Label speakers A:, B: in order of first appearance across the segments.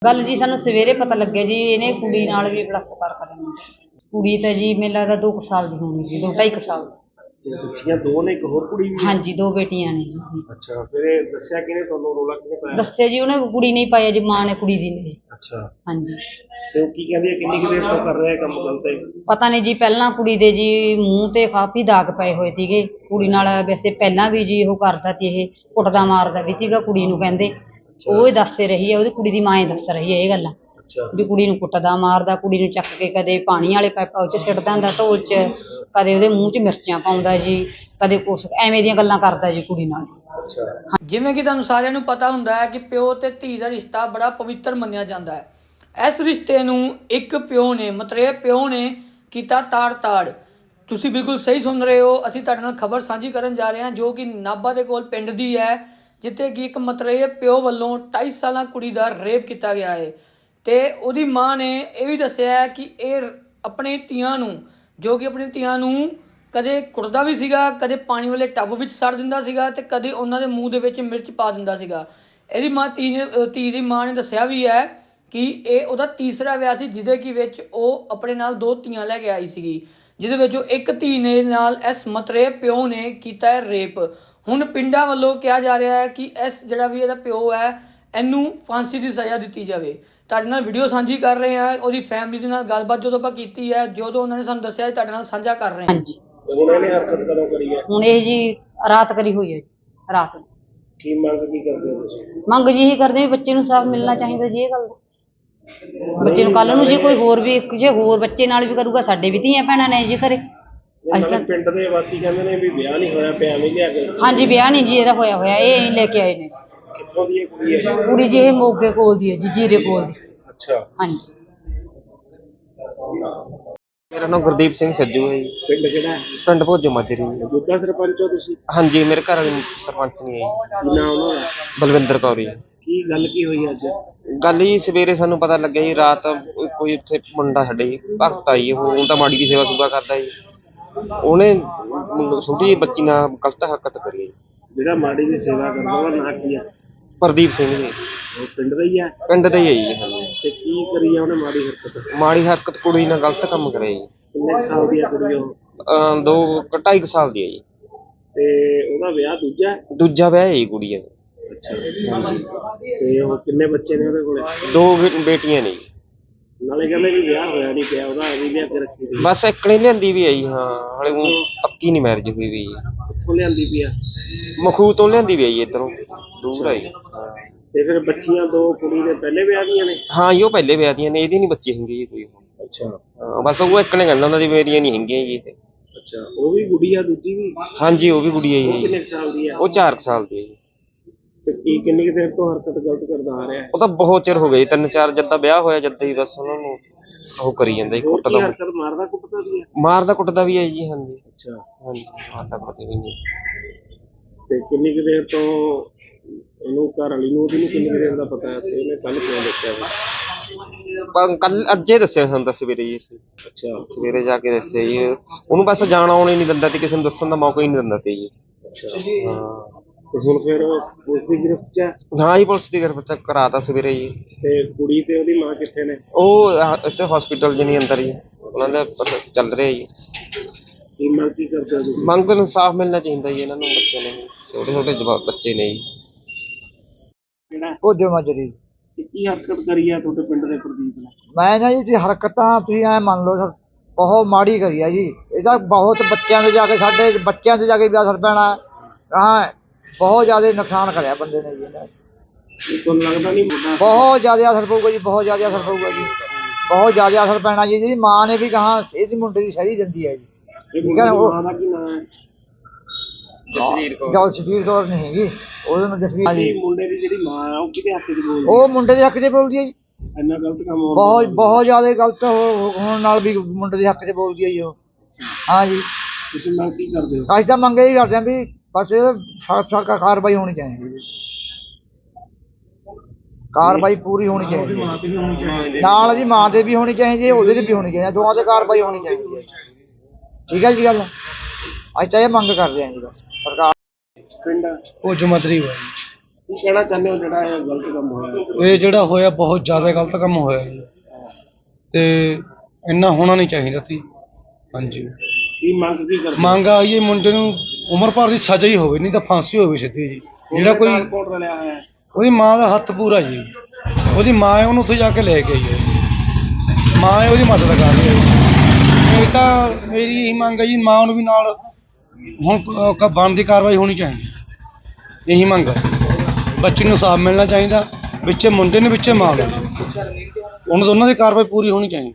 A: गल जी सानू सवेरे पता लगे जी इन्हें कुड़ी नाल भी बलात्कार करना। कुड़ी तो जी मेरे लगदा 2 साल की होनी जी, 2-2.5 साल।
B: बच्चियां दो ने, एक होर कुड़ी भी
A: हाँ
B: है?
A: जी 2 बेटियां ने जी।
B: अच्छा, फिर ये दस्सिया किने तुहानू, रौला किने पाया?
A: दस्सिया जी उन्हें कुड़ी नहीं पाया जी, मां ने कुड़ी दी ने।
B: अच्छा,
A: हाँ जी
B: ਤੇ ਉਹ ਕੀ ਕਹਿੰਦੀ ਹੈ ਕਿੰਨੀ ਕੁ ਦੇਰ ਤੋਂ ਕਰ ਰਿਹਾ ਕੰਮ ਗਲਤ ਹੈ?
A: पता नहीं जी, पहला कुड़ी दे जी मूँह ते काफी दाग पए होए सीगे। कुड़ी नाल वैसे पहला भी जी ਉਹ ਕਰਦਾ ਤੀ, ਇਹ ਕੁੱਟਦਾ ਮਾਰਦਾ ਵੀ ਸੀਗਾ ਕੁੜੀ ਨੂੰ ਕਹਿੰਦੇ। ਉਹ ਹੀ ਦੱਸ ਰਹੀ ਹੈ, ਉਹਦੀ ਕੁੜੀ ਦੀ ਮਾਂ ਹੀ ਦੱਸ ਰਹੀ ਹੈ ਇਹ ਗੱਲਾਂ ਵੀ ਕੁੜੀ ਨੂੰ ਕੁੱਟਦਾ ਮਾਰਦਾ, ਕੁੜੀ ਨੂੰ ਚੱਕ ਕੇ ਕਦੇ ਪਾਣੀ ਵਾਲੇ ਪਾਈਪਾਂ 'ਚ ਸਿੱਟਦਾ ਹੁੰਦਾ ਢੋਲ 'ਚ, ਕਦੇ ਉਹਦੇ ਮੂੰਹ 'ਚ ਮਿਰਚਾਂ ਪਾਉਂਦਾ ਜੀ, ਕਦੇ ਕੁਛ ਐਵੇਂ ਦੀਆਂ ਗੱਲਾਂ ਕਰਦਾ ਜੀ ਕੁੜੀ ਨਾਲ।
C: ਜਿਵੇਂ ਕਿ ਤੁਹਾਨੂੰ ਸਾਰਿਆਂ ਨੂੰ ਪਤਾ ਹੁੰਦਾ ਹੈ ਕਿ ਪਿਓ ਤੇ ਧੀ ਦਾ ਰਿਸ਼ਤਾ ਬੜਾ ਪਵਿੱਤਰ ਮੰਨਿਆ ਜਾਂਦਾ ਹੈ। ਇਸ ਰਿਸ਼ਤੇ ਨੂੰ ਇੱਕ ਪਿਓ ਨੇ, ਮਤਰੇਏ ਪਿਓ ਨੇ ਕੀਤਾ ਤਾੜ-ਤਾੜ। ਤੁਸੀਂ ਬਿਲਕੁਲ ਸਹੀ ਸੁਣ ਰਹੇ ਹੋ। ਅਸੀਂ ਤੁਹਾਡੇ ਨਾਲ ਖਬਰ ਸਾਂਝੀ ਕਰਨ ਜਾ ਰਹੇ ਹਾਂ ਜੋ ਕਿ ਨਾਭਾ ਦੇ ਕੋਲ ਪਿੰਡ ਦੀ ਹੈ, ਜਿੱਥੇ ਕਿ ਇੱਕ ਮਤਰੇਏ ਪਿਓ ਵੱਲੋਂ 2.5 ਸਾਲਾਂ ਕੁੜੀ ਦਾ ਰੇਪ ਕੀਤਾ ਗਿਆ ਹੈ। ਤੇ ਉਹਦੀ ਮਾਂ ਨੇ ਇਹ ਵੀ ਦੱਸਿਆ ਹੈ ਕਿ ਇਹ ਆਪਣੇ ਧੀਆਂ ਨੂੰ, ਜੋ ਕਿ ਆਪਣੀ ਧੀਆਂ ਨੂੰ ਕਦੇ ਕੁੱਟਦਾ ਵੀ ਸੀਗਾ, ਕਦੇ ਪਾਣੀ ਵਾਲੇ ਟੱਬ ਵਿੱਚ ਸੜ ਦਿੰਦਾ ਸੀਗਾ ਤੇ ਕਦੇ ਉਹਨਾਂ ਦੇ ਮੂੰਹ ਦੇ ਵਿੱਚ ਮਿਰਚ ਪਾ ਦਿੰਦਾ ਸੀਗਾ। ਇਹਦੀ ਮਾਂ ਧੀ ਦੀ ਮਾਂ ਨੇ ਦੱਸਿਆ ਵੀ ਹੈ ਕਿ ਇਹ ਉਹਦਾ ਤੀਸਰਾ ਵਿਆਹ ਸੀ, ਜਿਹਦੇ ਕਿ ਵਿੱਚ ਉਹ ਆਪਣੇ ਨਾਲ 2 ਧੀਆਂ ਲੈ ਕੇ ਆਈ ਸੀਗੀ, ਜਿਹਦੇ ਵਿੱਚੋਂ ਇੱਕ ਧੀ ਨੇ ਨਾਲ ਇਸ ਮਤਰੇਏ ਪਿਓ ਨੇ ਕੀਤਾ ਹੈ ਰੇਪ। ਹੁਣ ਪਿੰਡਾਂ ਵੱਲੋਂ ਕਿਹਾ ਜਾ ਰਿਹਾ ਹੈ ਕਿ ਇਸ ਜਿਹੜਾ ਵੀ ਇਹਦਾ ਪਿਓ ਹੈ ਇਹਨੂੰ ਫਾਂਸੀ ਦੀ ਸਜ਼ਾ ਦਿੱਤੀ ਜਾਵੇ। ਤੁਹਾਡੇ ਨਾਲ ਵੀਡੀਓ ਸਾਂਝੀ ਕਰ ਰਹੇ ਹਾਂ, ਉਹਦੀ ਫੈਮਿਲੀ ਦੇ ਨਾਲ ਗੱਲਬਾਤ ਜਦੋਂ ਆਪਾਂ ਕੀਤੀ ਹੈ, ਜਦੋਂ ਉਹਨਾਂ ਨੇ ਸਾਨੂੰ ਦੱਸਿਆ ਤੁਹਾਡੇ ਨਾਲ ਸਾਂਝਾ ਕਰ ਰਹੇ ਹਾਂ।
A: ਹਾਂਜੀ
B: ਹੁਣ ਇਹਨੇ ਹਰਕਤ ਕਦੋਂ ਕਰੀ ਹੈ?
A: ਹੁਣ ਇਹ ਜੀ ਰਾਤ ਕਰੀ ਹੋਈ ਹੈ ਜੀ, ਰਾਤ ਨੂੰ।
B: ਕੀ ਮੰਗ ਕੀ ਕਰਦੇ ਹੋ ਤੁਸੀਂ?
A: ਮੰਗ ਜੀ ਇਹੀ ਕਰਦੇ ਵੀ ਬੱਚੇ ਨੂੰ ਸਾਫ਼ ਮਿਲਣਾ ਚਾਹੀਦਾ ਜੀ। ਇਹ ਗੱਲ ਬੱਚੇ ਨੂੰ ਕੱਲ ਨੂੰ ਜੀ ਕੋਈ ਹੋਰ ਵੀ ਜੇ ਹੋਰ ਬੱਚੇ ਨਾਲ ਵੀ ਕਰੂਗਾ, ਸਾਡੇ ਵੀ ਧੀਆਂ ਭੈਣਾਂ ਨੇ ਜੀ ਘਰੇ। ਅਸੀਂ ਤਾਂ
B: ਪਿੰਡ ਦੇ ਵਾਸੀ ਕਹਿੰਦੇ ਨੇ ਵੀ ਵਿਆਹ ਨਹੀਂ ਹੋਇਆ ਪਿਆ, ਐਵੇਂ ਲਿਆ ਕੇ।
A: ਹਾਂਜੀ ਵਿਆਹ ਨਹੀਂ ਜੀ ਇਹਦਾ ਹੋਇਆ, ਇਹ ਲੈ ਕੇ ਆਏ ਨੇ।
B: ਕਿੱਥੋਂ ਦੀ ਇਹ ਕੁੜੀ ਹੈ?
A: ਕੁੜੀ ਜੀ ਇਹ ਮੋਗੇ ਕੋਲ ਦੀ ਹੈ ਜੀ, ਜੀਰੇ ਕੋਲ ਦੀ।
B: ਅੱਛਾ,
A: ਹਾਂਜੀ
D: ਮੇਰਾ ਨਾਮ ਗੁਰਦੀਪ ਸਿੰਘ ਸੱਜੂ ਹੈ ਜੀ।
B: ਪਿੰਡ ਕਿਹੜਾ ਹੈ?
D: ਪਿੰਡ ਭੋਜੋ ਮਾਜਰੀ।
B: ਮੌਜੂਦਾ ਸਰਪੰਚ ਹੋ ਤੁਸੀਂ?
D: ਹਾਂਜੀ, ਮੇਰੇ ਘਰ ਵਾਲੀ ਸਰਪੰਚ ਨਹੀਂ ਹੈ ਜੀ।
B: ਕੀ ਨਾਮ ਉਹਨਾਂ ਦਾ?
D: ਬਲਵਿੰਦਰ ਕੌਰ ਜੀ।
B: ਕੀ ਗੱਲ ਕੀ ਹੋਈ ਅੱਜ?
D: ਗੱਲ ਜੀ ਸਵੇਰੇ ਸਾਨੂੰ ਪਤਾ ਲੱਗਿਆ ਜੀ, ਰਾਤ ਕੋਈ ਉੱਥੇ ਮੁੰਡਾ ਸਾਡੇ ਜੀ ਭਗਤ ਆਈ, ਉਹ ਤਾਂ ਮਾੜੀ ਦੀ ਸੇਵਾ ਸੁਭਾ ਕਰਦਾ ਜੀ। ਉਹਨੇ ਛੋਟੀ ਜਿਹੀ ਬੱਚੀ ਨਾਲ ਗਲਤ ਹਰਕਤ ਕਰੀ ਜੀ।
B: ਜਿਹੜਾ ਮਾੜੀ ਦੀ ਸੇਵਾ ਕਰਦਾ ਉਹਦਾ ਨਾਂ ਕੀ ਹੈ?
D: ਪ੍ਰਦੀਪ ਸਿੰਘ ਜੀ।
B: ਉਹ ਪਿੰਡ ਦਾ ਹੀ ਹੈ?
D: ਪਿੰਡ ਦਾ ਹੀ ਹੈ ਜੀ। ਹਾਂਜੀ,
B: ਤੇ ਕੀ ਕਰੀ ਆ ਉਹਨੇ ਮਾੜੀ ਹਰਕਤ?
D: ਮਾੜੀ ਹਰਕਤ ਕੁੜੀ ਨਾਲ ਗਲਤ ਕੰਮ ਕਰਿਆ ਜੀ।
B: ਕਿੰਨੇ ਕੁ ਸਾਲ ਦੀ ਹੈ ਕੁੜੀ ਉਹ?
D: 2-2.5 ਸਾਲ ਦੀ ਹੈ ਜੀ।
B: ਤੇ ਉਹਦਾ ਵਿਆਹ ਦੂਜਾ?
D: ਦੂਜਾ ਵਿਆਹ ਹੈ ਜੀ ਕੁੜੀ ਦਾ।
B: ਅੱਛਾ, ਤੇ ਉਹ ਕਿੰਨੇ ਬੱਚੇ ਨੇ ਉਹਦੇ ਕੋਲੇ?
D: 2 ਬੇਟੀਆਂ ਨੇ ਜੀ।
B: ਨਾਲੇ ਕਹਿੰਦੇ ਵੀ ਵਿਆਹ ਹੋਇਆ ਨਹੀਂ ਪਿਆ ਉਹਦਾ, ਅभी ਲਿਆ ਕੇ ਰੱਖੀ ਸੀ।
D: ਬਸ ਇਕਣੇ ਲਿਆਂਦੀ ਵੀ ਹੈ ਜੀ। ਹਾਂ, ਹਾਲੇ ਉਹ ਪੱਕੀ ਨਹੀਂ ਮੈਰਿਜ ਹੋਈ ਵੀ ਜੀ।
B: ਕਿੱਥੋਂ ਲਿਆਂਦੀ ਪਈ ਆ?
D: ਮਖੂ ਤੋਂ ਲਿਆਂਦੀ ਵੀ ਹੈ ਜੀ, ਇੱਧਰੋਂ ਦੂਰ ਆ ਜੀ।
B: ਤੇ ਫਿਰ ਬੱਚੀਆਂ 2 ਕੁੜੀ ਦੇ ਪਹਿਲੇ ਵਿਆਹ ਦੀਆਂ ਨੇ?
D: ਹਾਂ ਜੀ, ਉਹ ਪਹਿਲੇ ਵਿਆਹ ਦੀਆਂ ਨੇ, ਇਹਦੀ ਨਹੀਂ ਬੱਚੀ ਹੁੰਦੀ ਜੀ ਕੋਈ।
B: ਅੱਛਾ,
D: ਹਾਂ, ਬਸ ਉਹ ਇੱਕ ਨੇ ਕਹਿੰਦਾ ਹੁੰਦਾ ਜੀ ਮੇਰੀਆਂ ਨਹੀਂ ਹੈਗੀਆਂ ਜੀ ਇਹ।
B: ਅੱਛਾ, ਉਹ ਵੀ ਗੁੱਡੀ ਆ ਦੂਜੀ ਵੀ?
D: ਹਾਂਜੀ, ਉਹ ਵੀ ਕੁੜੀ ਹੈ
B: ਉਹ
D: ਜੀ।
B: ਕਿੰਨੇ ਕੁ ਸਾਲ ਦੀ ਆ?
D: ਉਹ 4 ਸਾਲ ਦੀ ਹੈ ਜੀ।
B: ਤੇ ਕਿੰਨੀ ਕੁ ਦੇਰ ਤੋਂ ਹਰਕਤ ਗਲਤ ਕਰਦਾ ਆ ਰਿਹਾ ਹੈ?
D: ਉਹ ਤਾਂ ਬਹੁਤ ਚਿਰ ਹੋ ਗਿਆ ਜੀ, 3-4 ਜਦ ਦਾ ਵਿਆਹ ਹੋਇਆ ਜਦ ਹੀ ਬਸ ਉਹਨਾਂ ਨੂੰ ਉਹ ਕਰੀ ਜਾਂਦਾ ਜੀ,
B: ਹੋਰ ਕੀ
D: ਕੁੱਟਦਾ
B: ਹਰਕਤ ਮਾਰਦਾ ਕੁੱਟਦਾ ਵੀ ਹੈ?
D: ਮਾਰਦਾ ਕੁੱਟਦਾ ਵੀ ਹੈ ਜੀ। ਹਾਂਜੀ
B: ਅੱਛਾ,
D: ਹਾਂਜੀ, ਮਾਰਦਾ ਕੁੱਟਦਾ ਵੀ ਨਹੀਂ।
B: ਤੇ ਕਿੰਨੀ ਕੁ ਦੇਰ ਤੋਂ ਉਹਨੂੰ ਘਰ ਵਾਲੀ ਨੂੰ, ਉਹਦੀ ਨੂੰ ਕਿੰਨੀ ਕੁ ਦੇਰ ਦਾ ਪਤਾ ਹੈ ਤੇ ਉਹਨੇ ਕੱਲ ਕਿਉਂ ਦੱਸਿਆ ਵਾ?
D: ਕੱਲ ਅੱਜੇ ਦੱਸਿਆ ਸਾਨੂੰ ਤਾਂ ਸਵੇਰੇ ਜੀ।
B: ਅੱਛਾ,
D: ਸਵੇਰੇ ਜਾ ਕੇ ਦੱਸਿਆ ਜੀ। ਉਹਨੂੰ ਬਸ ਜਾਣਾ ਆਉਣਾ ਹੀ ਨਹੀਂ ਦਿੰਦਾ ਤੇ ਕਿਸੇ ਨੂੰ ਦੱਸਣ ਦਾ ਮੌਕਾ ਹੀ ਨਹੀਂ ਦਿੰਦਾ ਤੇ ਜੀ।
B: ਅੱਛਾ,
D: ਹਾਂ।
B: ਤੇ ਹੁਣ ਫਿਰ ਪੁਲਿਸ ਦੀ ਗ੍ਰਿਫਤ 'ਚ ਹੈ?
D: ਹਾਂ ਜੀ, ਪੁਲਿਸ ਦੀ ਗ੍ਰਿਫਤ ਕਰਾਤਾ ਸਵੇਰੇ ਜੀ।
B: ਤੇ ਕੁੜੀ ਤੇ ਉਹਦੀ ਮਾਂ ਕਿੱਥੇ ਨੇ?
D: ਉਹ ਇੱਥੇ ਹਸਪੀਟਲ ਚ ਨਹੀਂ, ਅੰਦਰ ਜੀ। ਉਹਨਾਂ ਦਾ ਪਤਾ ਚੱਲ ਰਿਹਾ ਜੀ।
B: ਕੀ ਮੰਗ ਕੀ ਕਰਦੇ ਹੋ ਤੁਸੀਂ?
D: ਮੰਗ ਨੂੰ ਇਨਸਾਫ ਮਿਲਣਾ ਚਾਹੀਦਾ ਜੀ ਇਹਨਾਂ ਨੂੰ। ਬੱਚੇ ਨੇ ਛੋਟੇ ਛੋਟੇ ਜਵਾਕ ਬੱਚੇ ਨੇ ਜੀ।
B: ਕਿਹੜਾ
E: ਭੋਜੋ ਮਾਜਰੀ।
B: ਤੇ ਕੀ ਹਰਕਤ ਕਰੀ ਆ ਤੁਹਾਡੇ ਪਿੰਡ ਦੇ ਪ੍ਰਦੀਪ ਨੇ?
E: ਮੈਂ ਨਾ ਜੀ ਹਰਕਤਾਂ ਤੁਸੀਂ ਐ ਮੰਨ ਲਓ ਸਰ, ਬਹੁਤ ਮਾੜੀ ਕਰੀ ਆ ਜੀ। ਇਹਦਾ ਬਹੁਤ ਬੱਚਿਆਂ ਦੇ ਜਾ ਕੇ, ਸਾਡੇ ਬੱਚਿਆਂ ਦੇ ਜਾ ਕੇ ਵੀ ਅਸਰ ਪੈਣਾ। ਹਾਂ, ਬਹੁਤ ਜ਼ਿਆਦਾ ਨੁਕਸਾਨ ਕਰਿਆ ਬੰਦੇ ਨੇ ਜੀ ਇਹਨਾਂ।
B: ਤੁਹਾਨੂੰ ਲੱਗਦਾ ਨਹੀਂ ਮੁੰਡਾ?
E: ਬਹੁਤ ਜ਼ਿਆਦਾ ਅਸਰ ਪਊਗਾ ਜੀ, ਬਹੁਤ ਜ਼ਿਆਦਾ ਅਸਰ ਪਊਗਾ ਜੀ, ਬਹੁਤ ਜ਼ਿਆਦਾ ਅਸਰ ਪੈਣਾ ਜੀ। ਇਹਦੀ ਮਾਂ ਨੇ ਵੀ ਕਹਾ ਇਹਦੀ ਮੁੰਡੇ ਦੀ ਸਹੀ ਦਿੰਦੀ ਹੈ ਜੀ।
B: ਇਹ
E: ਠੀਕ ਹੈ ਨਾ?
B: ਮਾਂ ਦਾ ਕੀ ਨਾਮ ਹੈ?
E: ਜਸਵੀਰ ਕੌਰ ਨਹੀਂ ਹੈਗੀ, ਉਹਦੇ ਨਾਲ ਜਸਵੀਰ ਜੀ।
B: ਮੁੰਡੇ ਦੀ ਜਿਹੜੀ ਮਾਂ ਆ ਉਹ ਕਿਹਦੇ ਹੱਕ 'ਚ ਬੋਲਦੀ?
E: ਉਹ ਮੁੰਡੇ ਦੇ ਹੱਕ 'ਚ ਬੋਲਦੀ ਹੈ ਜੀ।
B: ਇੰਨਾ ਗਲਤ ਕੰਮ ਹੋ
E: ਬਹੁਤ ਬਹੁਤ ਜ਼ਿਆਦਾ ਗਲਤ ਹੋਣ ਨਾਲ ਵੀ ਮੁੰਡੇ ਦੇ ਹੱਕ 'ਚ ਬੋਲਦੀ ਹੈ ਜੀ ਉਹ। ਹਾਂ ਜੀ,
B: ਤੁਸੀਂ ਮੰਗ ਕੀ ਕਰਦੇ ਹੋ?
E: ਅਸੀਂ ਤਾਂ ਮੰਗ ਇਹ ਕਰਦੇ ਹਾਂ ਵੀ ਬਸ ਇਹ ਸਖਤ ਕਾਰਵਾਈ ਹੋਣੀ ਚਾਹੀਦੀ ਹੈ। ਕਾਰਵਾਈ ਪੂਰੀ ਹੋਣੀ ਚਾਹੀਦੀ ਹੈ। ਨਾਲ ਜੀ ਮਾਂ ਦੇ ਵੀ ਹੋਣੀ ਚਾਹੀਦੀ ਹੈ, ਉਹਦੇ ਤੇ ਵੀ ਹੋਣੀ ਚਾਹੀਦੀ ਹੈ, ਦੋਵਾਂ ਤੇ ਕਾਰਵਾਈ ਹੋਣੀ ਚਾਹੀਦੀ ਹੈ। ਠੀਕ ਹੈ ਜੀ ਗੱਲ। ਅਸੀਂ ਤਾਂ ਇਹ ਮੰਗ ਕਰਦੇ ਹਾਂ ਜੀ ਸਰਕਾਰ।
B: ਪਿੰਡ
E: ਭੋਜੋ ਮਾਜਰੀ ਹੋਇਆ।
B: ਕੀ ਕਹਿਣਾ ਚਾਹੁੰਦੇ ਹੋ ਜਿਹੜਾ ਇਹ ਗਲਤ ਕੰਮ ਹੋਇਆ?
F: ਇਹ ਜਿਹੜਾ ਹੋਇਆ ਬਹੁਤ ਜ਼ਿਆਦਾ ਗਲਤ ਕੰਮ ਹੋਇਆ ਜੀ, ਤੇ ਇੰਨਾ ਹੋਣਾ ਨਹੀਂ ਚਾਹੀਦਾ ਸੀ। ਹਾਂਜੀ,
B: ਕੀ ਮੰਗ ਕੀ ਕਰਦੇ?
F: ਮੰਗ ਆਈ ਹੈ ਮੁੰਡੇ ਨੂੰ ਉਮਰ ਭਰ ਦੀ ਸਜ਼ਾ ਹੀ ਹੋਵੇ, ਨਹੀਂ ਤਾਂ ਫਾਂਸੀ ਹੋਵੇ ਸਿੱਧੀ ਜੀ। ਜਿਹੜਾ ਕੋਈ
B: ਕੋਟ ਰਲਿਆ ਹੋਇਆ ਹੈ?
F: ਉਹਦੀ ਮਾਂ ਦਾ ਹੱਥ ਪੂਰਾ ਜੀ, ਉਹਦੀ ਮਾਂ ਹੈ, ਉਹਨੂੰ ਉੱਥੇ ਜਾ ਕੇ ਲੈ ਕੇ ਆਈ ਹੈ, ਮਾਂ ਹੈ ਉਹਦੀ ਮਦਦ ਕਰ ਰਹੀ ਹੈ। ਇਹ ਤਾਂ ਮੇਰੀ ਇਹੀ ਮੰਗ ਹੈ ਜੀ, ਮਾਂ ਨੂੰ ਵੀ ਨਾਲ ਹੁਣ ਬਣਦੀ ਕਾਰਵਾਈ ਹੋਣੀ ਚਾਹੀਦੀ, ਇਹੀ ਮੰਗ ਹੈ। ਬੱਚੇ ਨੂੰ ਇਨਸਾਫ ਮਿਲਣਾ ਚਾਹੀਦਾ, ਵਿੱਚੇ ਮੁੰਡੇ ਨੇ ਵਿੱਚੇ ਮਾਂ ਨੂੰ, ਉਹਨਾਂ ਦੋਨਾਂ ਦੀ ਕਾਰਵਾਈ ਪੂਰੀ ਹੋਣੀ ਚਾਹੀਦੀ।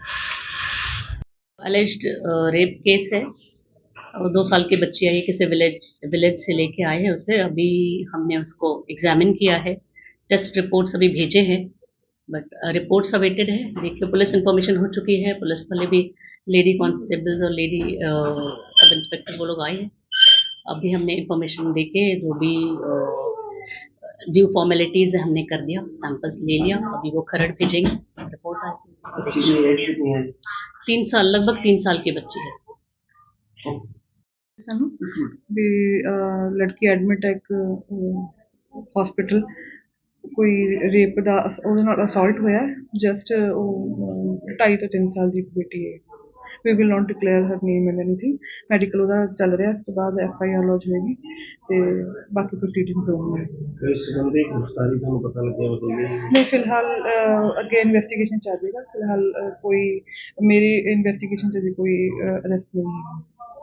G: अलेज्ड रेप केस है और 2 साल की बच्ची है, किसी विलेज से लेके आए हैं उसे। अभी हमने उसको एग्जामिन किया है, टेस्ट रिपोर्ट्स अभी भेजे हैं, बट रिपोर्ट्स अवेटेड है। देखिए पुलिस इंफॉर्मेशन हो चुकी है, पुलिस वाले भी, लेडी कांस्टेबल्स और लेडी सब इंस्पेक्टर वो लोग आए हैं। अभी हमने इंफॉर्मेशन देके जो भी ड्यू फॉर्मेलिटीज हमने कर दिया, सैंपल्स ले लिया, अभी वो खरड़ भेजेंगे, रिपोर्ट आएगी।
B: बच्ची की एज कितनी है?
G: 3 साल, लगभग 3 साल की बच्ची है।
H: ਸਾਨੂੰ ਵੀ ਲੜਕੀ ਐਡਮਿਟ ਹੈ ਇੱਕ ਹਸਪੀਟਲ, ਕੋਈ ਰੇਪ ਦਾ ਉਹਦੇ ਨਾਲ ਅਸੌਲਟ ਹੋਇਆ, ਜਸਟ ਉਹ 2.5 ਤੋਂ 3 ਸਾਲ ਦੀ ਬੇਟੀ ਹੈ। We will not declare her name and anything, medical ਉਹਦਾ ਚੱਲ ਰਿਹਾ, ਇਸ ਤੋਂ ਬਾਅਦ FIR ਲੌਜ ਹੋਏਗੀ ਤੇ ਬਾਕੀ ਪ੍ਰੋਸੀਡਿੰਗਸ ਹੋਣਗੀਆਂ।
B: ਇਸ ਸੰਬੰਧੀ ਗ੍ਰਿਫਤਾਰੀ ਤੁਹਾਨੂੰ ਪਤਾ ਲੱਗਿਆ ਬਤਾਈਏ?
H: ਨਹੀਂ, ਫਿਲਹਾਲ ਅੱਗੇ ਇਨਵੈਸਟੀਗੇਸ਼ਨ ਚੱਲ ਜਾਏਗਾ, ਫਿਲਹਾਲ ਕੋਈ ਮੇਰੀ ਇਨਵੈਸਟੀਗੇਸ਼ਨ 'ਚ ਕੋਈ ਅਰੈਸਟ ਨਹੀਂ ਹੈ।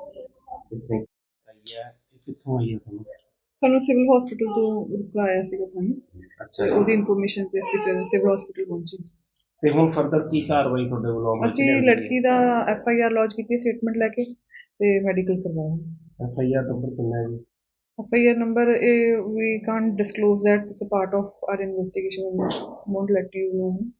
B: ਕਿੱਥੋਂ ਆਈ ਹੈ ਤੁਹਾਨੂੰ?
H: ਸਾਨੂੰ ਸਿਵਲ ਹਸਪੀਟਲ ਤੋਂ ਰੁਕਾਇਆ ਸੀਗਾ ਸਾਨੂੰ,
B: ਅੱਛਾ,
H: ਉਹਦੀ ਇਨਫੋਰਮੇਸ਼ਨ ਤੇ ਅਸੀਂ ਫਿਰ ਸਿਵਲ ਹਸਪੀਟਲ ਪਹੁੰਚੇ।
B: ਤੇ ਹੁਣ ਫਰਦਰ ਕੀ ਕਾਰਵਾਈ ਤੁਹਾਡੇ ਵੱਲੋਂ?
H: ਅਸੀਂ ਲੜਕੀ ਦਾ FIR ਲੌਜ ਕੀਤੀ, ਸਟੇਟਮੈਂਟ ਲੈ ਕੇ ਤੇ ਮੈਡੀਕਲ ਕਰਵਾਇਆ।
B: FIR ਨੰਬਰ ਕਿੰਨਾ ਹੈ ਜੀ?
H: FIR number, we can't disclose that, it's a part of our investigation, we won't let you know.